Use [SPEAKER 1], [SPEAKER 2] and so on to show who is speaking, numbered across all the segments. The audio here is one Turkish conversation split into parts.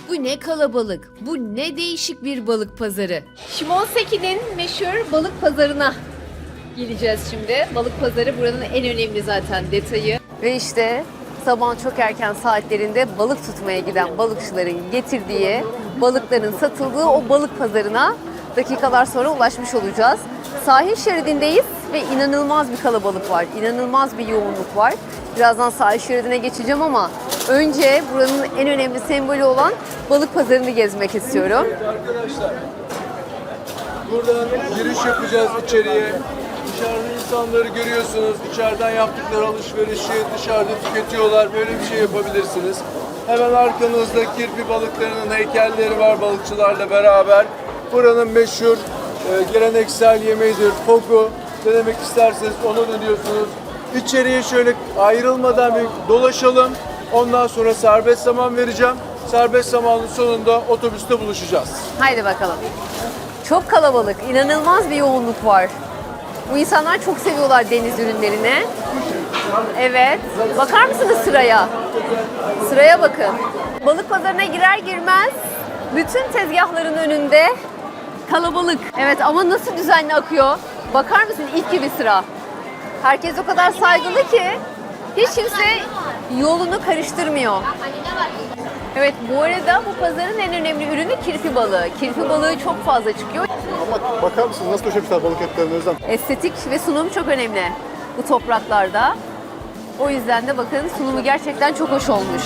[SPEAKER 1] Bu ne kalabalık, bu ne değişik bir balık pazarı. Şimonseki'nin meşhur balık pazarına geleceğiz şimdi. Balık pazarı buranın en önemli zaten detayı. Ve işte sabahın çok erken saatlerinde balık tutmaya giden balıkçıların getirdiği, balıkların satıldığı o balık pazarına dakikalar sonra ulaşmış olacağız. Sahil şeridindeyiz ve inanılmaz bir kalabalık var, inanılmaz bir yoğunluk var. Birazdan sahil şeridine geçeceğim ama önce buranın en önemli sembolü olan balık pazarını gezmek istiyorum.
[SPEAKER 2] Arkadaşlar, buradan giriş yapacağız içeriye. Dışarıda insanları görüyorsunuz. İçeriden yaptıkları alışverişi dışarıda tüketiyorlar. Böyle bir şey yapabilirsiniz. Hemen arkanızda kirpi balıklarının heykelleri var balıkçılarla beraber. Buranın meşhur geleneksel yemeğidir. Fogu. Denemek isterseniz onu dönüyorsunuz. İçeriye şöyle ayrılmadan bir dolaşalım. Ondan sonra serbest zaman vereceğim. Serbest zamanın sonunda otobüste buluşacağız.
[SPEAKER 1] Haydi bakalım. Çok kalabalık, inanılmaz bir yoğunluk var. Bu insanlar çok seviyorlar deniz ürünlerini. Evet. Bakar mısınız sıraya? Sıraya bakın. Balık pazarına girer girmez bütün tezgahların önünde kalabalık. Evet ama nasıl düzenli akıyor? Bakar mısın ilk gibi sıra? Herkes o kadar saygılı ki hiç kimse yolunu karıştırmıyor. Evet, bu arada bu pazarın en önemli ürünü kirpi balığı. Kirpi balığı çok fazla çıkıyor.
[SPEAKER 3] Ama bakar mısınız nasıl döşemişler balık etlerini Özlem?
[SPEAKER 1] Estetik ve sunum çok önemli bu topraklarda. O yüzden de bakın sunumu gerçekten çok hoş olmuş.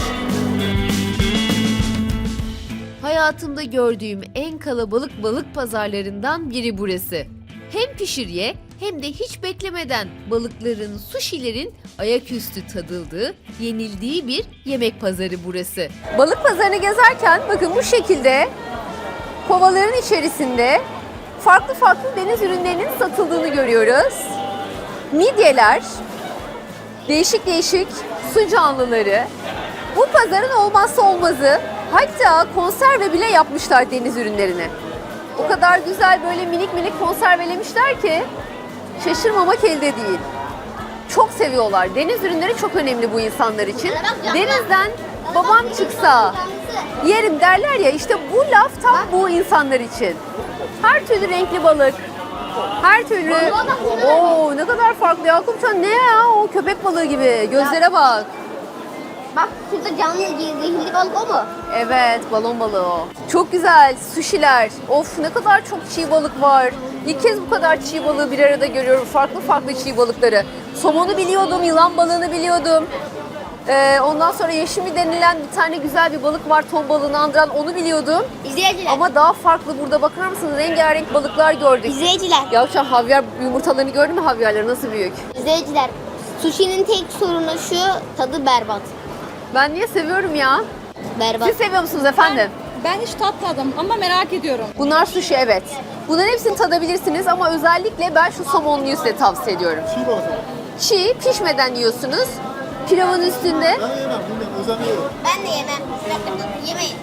[SPEAKER 1] Hayatımda gördüğüm en kalabalık balık pazarlarından biri burası. Hem pişir ye hem de hiç beklemeden balıkların, suşilerin ayaküstü tadıldığı, yenildiği bir yemek pazarı burası. Balık pazarını gezerken bakın bu şekilde kovaların içerisinde farklı farklı deniz ürünlerinin satıldığını görüyoruz. Midyeler, değişik değişik su canlıları, bu pazarın olmazsa olmazı. Hatta konserve bile yapmışlar deniz ürünlerini. O kadar güzel böyle minik minik konservelemişler ki şaşırmamak elde değil. Çok seviyorlar. Deniz ürünleri çok önemli bu insanlar için. Denizden babam çıksa yerim derler ya, işte bu laf tam bu insanlar için. Her türlü renkli balık, her türlü... Oo, ne kadar farklı Yakupcan, ne ya o köpek balığı gibi, gözlere bak.
[SPEAKER 4] Bak şurada canlı zehirli balık o mu?
[SPEAKER 1] Evet, balon balığı o. Çok güzel sushiler. Of, ne kadar çok çiğ balık var. İlk kez bu kadar çiğ balığı bir arada görüyorum. Farklı farklı çiğ balıkları. Somonu biliyordum, yılan balığını biliyordum. Ondan sonra yeşimi denilen bir tane güzel bir balık var, ton balığını andıran, onu biliyordum.
[SPEAKER 4] İzleyiciler.
[SPEAKER 1] Ama daha farklı, burada bakar mısınız? Rengarenk balıklar gördük.
[SPEAKER 4] İzleyiciler.
[SPEAKER 1] Ya şu an havyar yumurtalarını gördün mü, havyarları nasıl büyük?
[SPEAKER 4] İzleyiciler. Sushi'nin tek sorunu şu, tadı berbat.
[SPEAKER 1] Ben niye seviyorum ya?
[SPEAKER 4] Berbat.
[SPEAKER 1] Siz seviyor musunuz efendim?
[SPEAKER 5] Ben hiç tatmadım ama merak ediyorum.
[SPEAKER 1] Bunlar sushi, evet. Bunların hepsini tadabilirsiniz ama özellikle ben şu somonluyu size tavsiye ediyorum.
[SPEAKER 3] Çiğ balık ama.
[SPEAKER 1] Çiğ, pişmeden yiyorsunuz. Pilavın üstünde.
[SPEAKER 3] Ben yemem, bilmiyorum. Özlem yiyorum.
[SPEAKER 4] Ben de yemem. Yemeyin.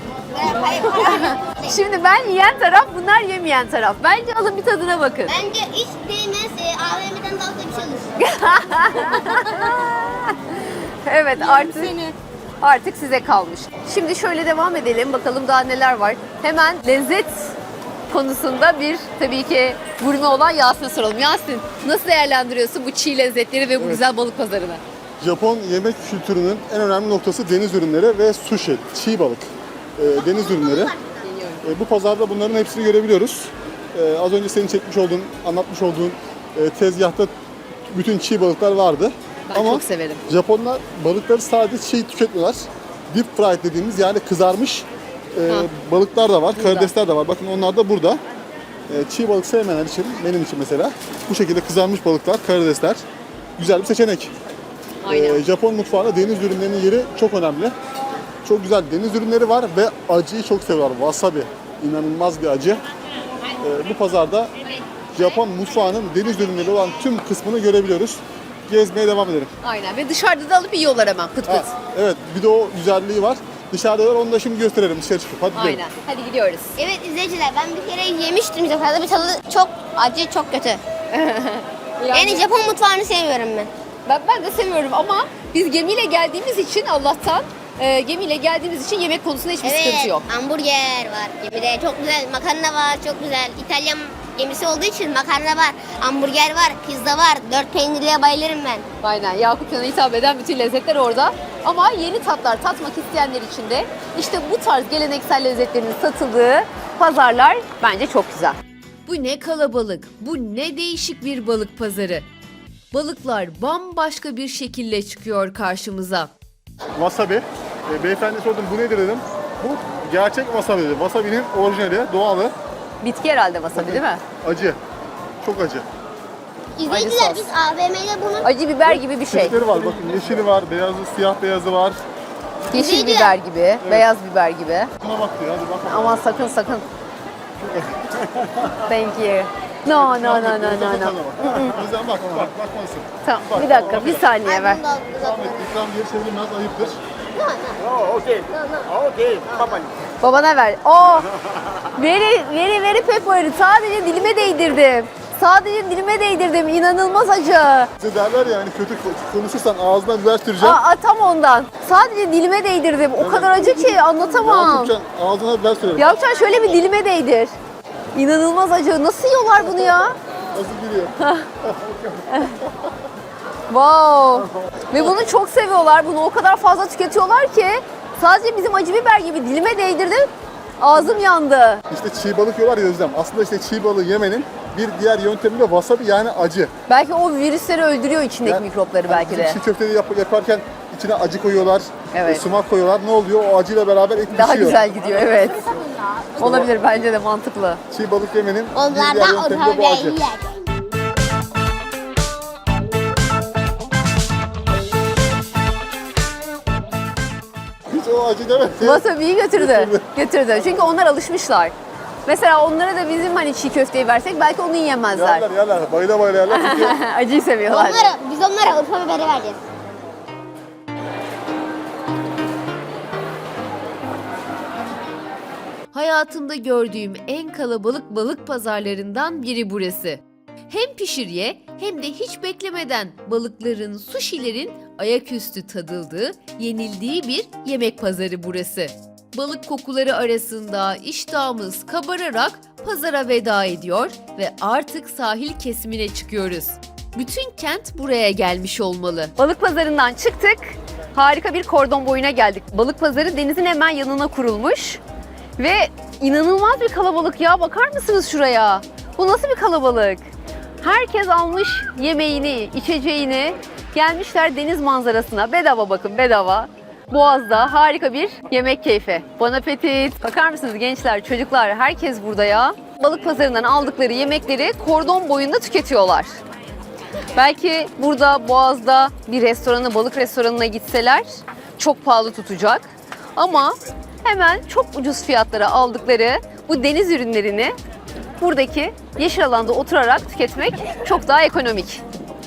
[SPEAKER 1] Şimdi ben yiyen taraf, bunlar yemeyen taraf. Bence alın bir tadına bakın.
[SPEAKER 4] Bence hiç değmez. AVM'den dalga bir şey olur.
[SPEAKER 1] Evet, artık
[SPEAKER 5] Seni.
[SPEAKER 1] artık size kalmış. Şimdi şöyle devam edelim. Bakalım daha neler var. Hemen lezzet konusunda bir tabii ki gurme olan Yasin'e soralım. Yasin, nasıl değerlendiriyorsun bu çiğ lezzetleri ve bu güzel balık pazarını?
[SPEAKER 3] Japon yemek kültürünün en önemli noktası deniz ürünleri ve sushi, çiğ balık. Deniz ürünleri. Bu pazarda bunların hepsini görebiliyoruz. Az önce senin çekmiş olduğun, anlatmış olduğun tezgahta bütün çiğ balıklar vardı.
[SPEAKER 1] Ben
[SPEAKER 3] Ama
[SPEAKER 1] çok severim.
[SPEAKER 3] Japonlar balıkları sadece çiğ tüketmiyorlar. Deep fried dediğimiz yani kızarmış balıklar da var, karidesler de var. Bakın onlar da burada. Çiğ balık sevmeyenler için, benim için mesela bu şekilde kızarmış balıklar, karidesler güzel bir seçenek.
[SPEAKER 1] Aynen.
[SPEAKER 3] Japon mutfağında deniz ürünlerinin yeri çok önemli. Çok güzel deniz ürünleri var ve acıyı çok seviyorlar. Wasabi, inanılmaz bir acı. Bu pazarda Japon mutfağının deniz ürünleri olan tüm kısmını görebiliyoruz. Gezmeye devam edelim.
[SPEAKER 1] Aynen, ve dışarıda da alıp yiyorlar hemen pıt pıt.
[SPEAKER 3] Evet, bir de o güzelliği var. Dışarıda var, onu da şimdi gösterelim dışarı çıkıp. Hadi gidelim.
[SPEAKER 1] Aynen. Hadi gidiyoruz.
[SPEAKER 4] Evet izleyiciler, ben bir kere yemiştim Japonya'da. Bir tadı çok acı, çok kötü. Yani Japon mutfağını sevmiyorum ben.
[SPEAKER 1] Ben de seviyorum ama biz gemiyle geldiğimiz için Allah'tan gemiyle geldiğimiz için yemek konusunda hiçbir sıkıntı
[SPEAKER 4] Evet,
[SPEAKER 1] yok.
[SPEAKER 4] hamburger var gemide. Çok güzel. Makarna var, çok güzel. İtalyan gemisi olduğu için makarna var, hamburger var, pizza var. 4 peynirliye bayılırım ben.
[SPEAKER 1] Aynen, Yakupcan'a hitap eden bütün lezzetler orada. Ama yeni tatlar tatmak isteyenler için de işte bu tarz geleneksel lezzetlerin satıldığı pazarlar bence çok güzel. Bu ne kalabalık, bu ne değişik bir balık pazarı. Balıklar bambaşka bir şekilde çıkıyor karşımıza.
[SPEAKER 3] Wasabi. Beyefendi sordum bu nedir dedim. Bu gerçek wasabi dedi. Wasabi'nin orijinali, doğalı,
[SPEAKER 1] Bitki herhalde wasabi değil mi?
[SPEAKER 3] acı. Çok acı.
[SPEAKER 4] İzleyiciler
[SPEAKER 1] sos.
[SPEAKER 4] biz AVM'de bunun
[SPEAKER 1] Acı biber gibi bir şey.
[SPEAKER 3] Çeşitleri var. Bakın yeşili var, beyazı, siyah beyazı var.
[SPEAKER 1] Yeşil biber gibi, beyaz biber gibi.
[SPEAKER 3] Buna bak diyor. Hadi bak.
[SPEAKER 1] Aman sakın sakın. Thank you. No.
[SPEAKER 3] O yüzden bak, bakmalısın.
[SPEAKER 1] Tamam, bir dakika, bir saniye ver.
[SPEAKER 3] İkram diye çevrilmez, ayıptır.
[SPEAKER 1] Babana ver. Oh! Very pepper. Sadece dilime değdirdim. Sadece dilime değdirdim. İnanılmaz acı.
[SPEAKER 3] Size derler ya hani kötü konuşursan ağzına biber süreceğim.
[SPEAKER 1] Tam ondan. Sadece dilime değdirdim. O kadar acı ki anlatamam.
[SPEAKER 3] Yapacaksın, ağzına biber sürerim.
[SPEAKER 1] Yapacaksın şöyle bir dilime değdir. İnanılmaz acı. Nasıl yiyorlar bunu ya?
[SPEAKER 3] Nasıl giriyor?
[SPEAKER 1] Wow. Ve bunu çok seviyorlar. Bunu o kadar fazla tüketiyorlar ki sadece bizim acı biber gibi dilime değdirdim. Ağzım yandı.
[SPEAKER 3] İşte çiğ balık yiyorlar ya Özlem. Aslında işte çiğ balığı yemenin bir diğer yöntemi de wasabi yani acı.
[SPEAKER 1] Belki o virüsleri öldürüyor içindeki
[SPEAKER 3] Yani
[SPEAKER 1] mikropları
[SPEAKER 3] hani
[SPEAKER 1] belki
[SPEAKER 3] bizim
[SPEAKER 1] de.
[SPEAKER 3] çiğ köfteyi yaparken içine acı koyuyorlar,
[SPEAKER 1] Evet.
[SPEAKER 3] sumak koyuyorlar. Ne oluyor? O acıyla beraber et
[SPEAKER 1] Daha
[SPEAKER 3] pişiyor.
[SPEAKER 1] güzel gidiyor, evet. Olabilir, bence de mantıklı.
[SPEAKER 3] Çiğ balık yemenin bir
[SPEAKER 4] onlardan
[SPEAKER 3] diğer yöntemi de bu acı.
[SPEAKER 4] ortaya
[SPEAKER 3] Hiç o acı demedi.
[SPEAKER 1] Wasabi'yi götürdü. Götürdü. Çünkü onlar alışmışlar. Mesela onlara da bizim hani çiğ köfteyi versek belki onu yiyemezler.
[SPEAKER 3] Yerler. Bayıla yerler. Çünkü
[SPEAKER 1] Acıyı seviyorlar.
[SPEAKER 4] Biz onlara Urfa biberi vereceğiz.
[SPEAKER 1] Hayatımda gördüğüm en kalabalık balık pazarlarından biri burası. Hem pişir ye hem de hiç beklemeden balıkların, suşilerin ayaküstü tadıldığı, yenildiği bir yemek pazarı burası. Balık kokuları arasında iştahımız kabararak pazara veda ediyor ve artık sahil kesimine çıkıyoruz. Bütün kent buraya gelmiş olmalı. Balık pazarından çıktık. Harika bir kordon boyuna geldik. Balık pazarı denizin hemen yanına kurulmuş. Ve inanılmaz bir kalabalık ya. Bakar mısınız şuraya? Bu nasıl bir kalabalık? Herkes almış yemeğini, içeceğini. Gelmişler deniz manzarasına. Bedava bakın, bedava. Boğaz'da harika bir yemek keyfi. Bon appetit. Bakar mısınız gençler, çocuklar, herkes burada ya. Balık pazarından aldıkları yemekleri kordon boyunda tüketiyorlar. Belki burada Boğaz'da bir restorana, balık restoranına gitseler çok pahalı tutacak. Ama hemen çok ucuz fiyatlara aldıkları bu deniz ürünlerini buradaki yeşil alanda oturarak tüketmek çok daha ekonomik.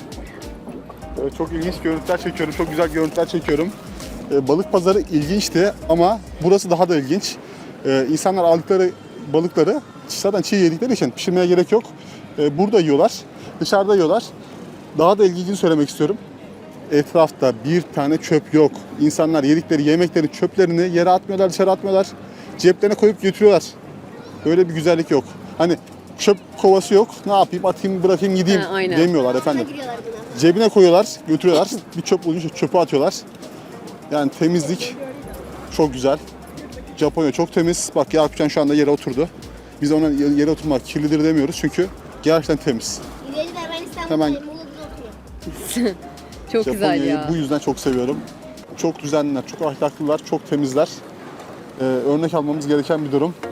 [SPEAKER 3] çok ilginç görüntüler çekiyorum. Çok güzel görüntüler çekiyorum. Balık pazarı ilginçti ama burası daha da ilginç. İnsanlar aldıkları balıkları zaten çiğ yedikleri için pişirmeye gerek yok. Burada yiyorlar, dışarıda yiyorlar. Daha da ilginçini söylemek istiyorum. Etrafta bir tane çöp yok. İnsanlar yedikleri yemeklerin çöplerini yere atmıyorlar, dışarı atmıyorlar. Ceplerine koyup götürüyorlar. Böyle bir güzellik yok. Hani çöp kovası yok. Ne yapayım, atayım, bırakayım, gideyim
[SPEAKER 1] Aynen.
[SPEAKER 3] demiyorlar efendim.
[SPEAKER 4] Giriyorlar buna.
[SPEAKER 3] Cebine koyuyorlar, götürüyorlar. Bir çöp bulunca çöpe atıyorlar. Yani temizlik çok güzel. Japonya çok temiz. Bak Yakupcan şu anda yere oturdu. Biz ona yere oturmak kirlidir demiyoruz çünkü gerçekten temiz.
[SPEAKER 4] İzleyiciler ben İstanbul'da
[SPEAKER 3] Hemen-
[SPEAKER 4] Muğla'da oturuyorum.
[SPEAKER 1] Çok güzel
[SPEAKER 3] Japonya'yı
[SPEAKER 1] ya.
[SPEAKER 3] bu yüzden çok seviyorum. Çok düzenliler, çok ahlaklılar, çok temizler. Örnek almamız gereken bir durum.